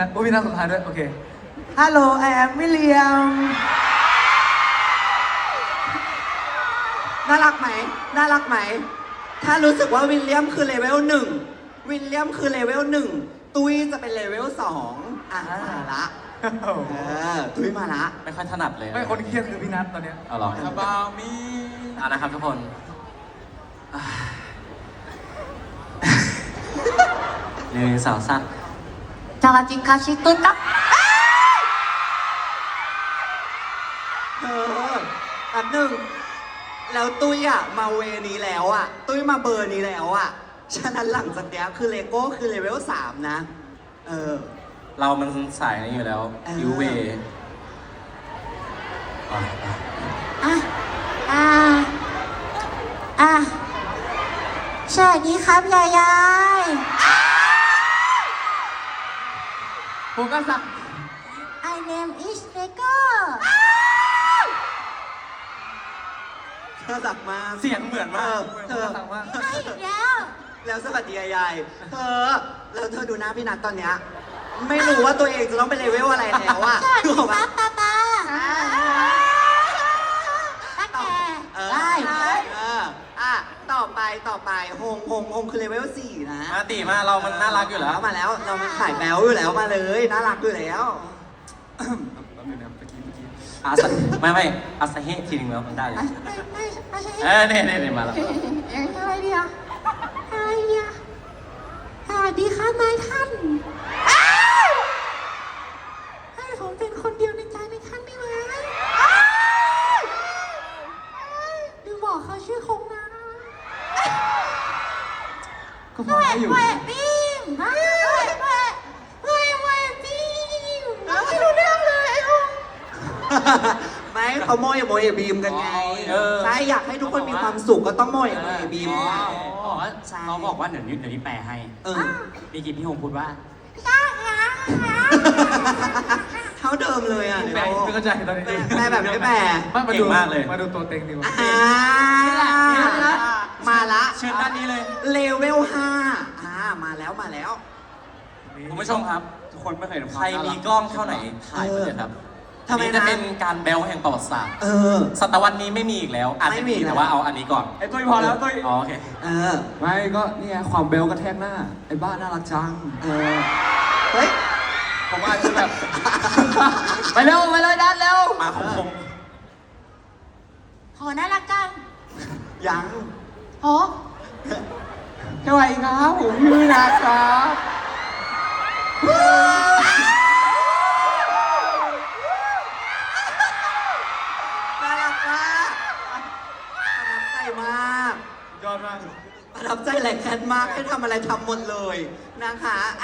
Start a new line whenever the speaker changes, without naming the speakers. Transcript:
โอ้พี่นัทสุดท้ายด้วยโอเคฮัลโหลไอแอมวิลเลียม
น่ารักไหมน่ารักไหมถ้ารู้สึกว่าวิลเลียมคือเลเวลหนึ่งวิลเลียมคือเลเวลหนึ่งตุ้ยจะเป็นเลเวลสองมาละตุ้ยมาละ
ไม่ค่อยถนัดเลย
ไม่คนเครียดคือพี่นัทตอนเนี้ย
เอาหรอ
About me
นะครับทุกคนหนึ่งสองสาม
สวัสดีค่ะชิตุนครับ
แป๊บหนึ่งแล้วตุ้ยมาเวนี้แล้วตุ้ยมาเบอร์นี้แล้วฉะนั้นหลังจากนี้คือเลโก้คือเลเวล3นะ
เรามันสายนี้อยู่แล้วยูเว
สวัสดีครับยายาย
ผมก็สั่ง
I name is Lego
เธอสักมา
เสียงเหมือนมาก
เธอ
สั่งว่า
ให้อีกแล้ว
แล้วสวัสดียายแล้วเธอดูหน้าพี่นัทตอนเนี้ยไม่รู้ว่าตัวเองจะต้องเป็นเลเวลอะไรแล้ว
สวัสดีครับป้าป้าได้
ต่อไปฮงคือเลเวล4นะ
มาตีมาเรามันน่ารักอยู่แล้ว
มาแล้วเรามันขายแบลอยู่แล้วมาเลยน่ารักอยู่แล้ว
ไม่อาซาเฮะทีนึงแล้วมันได้เลยเนี่ยมาแล้ว
อะไรดีอ่ะสวัสดีค่ะนายท่านให้ผมเป็นคนเดียวในใจในท่านได้ไหมดูบอกเขาชื่อคงนะ
ก็พอได้อยู่
แหวะบีมแหวะบีมไม่รู้เรื่องเลยไอ้คง
ไม่เขาโมยบีมกันไงใช่อยากให้ทุกคนมีความสุขก็ต้องโมยบีม
เขาบอกว่าเดี๋ยวนี้แปลให้มีกี่พี่ฮงพูดว่า
เท่าเดิมเลย
แปลไม่เข้าใจตอนนี้
แปลแบบไม่แปล
มาดูมากเลยมาดูตัวเต็งดีกว่า
มาละ
เชิญด้านนี้เลย
เลเวล5มาแล้ว
คุณผู้ชมครับทุกคนไม่เคยใครมีกล้องเท่าไหนถ่ายไปเลยครับ
ทำไม
จะเป็นการเบลแห่งประวัติศาสตร์ศตวรรษนี้ไม่มีอีกแล้วอาจจะมีแต่ว่าเอาอันนี้ก่อน
ไอ้ตุ้ยพอแล้วตุ้ย
โอเค
ไม่ก็นี่ไงความเบลกระแทกหน้าไอ้บ้าน่ารักจัง
เฮ้ย
ผมอาจจะแบบไปเร็วดันเร็ว
มาคง
โหน่ารักจัง
ยัง
โห
สวัสดีครับผมพี่นัทครับ
น่ารักมากประทับใจมาก
ยอดมาก
ประทับใจแหลกแคนมากให้ทำอะไรทำหมดเลยนะคะ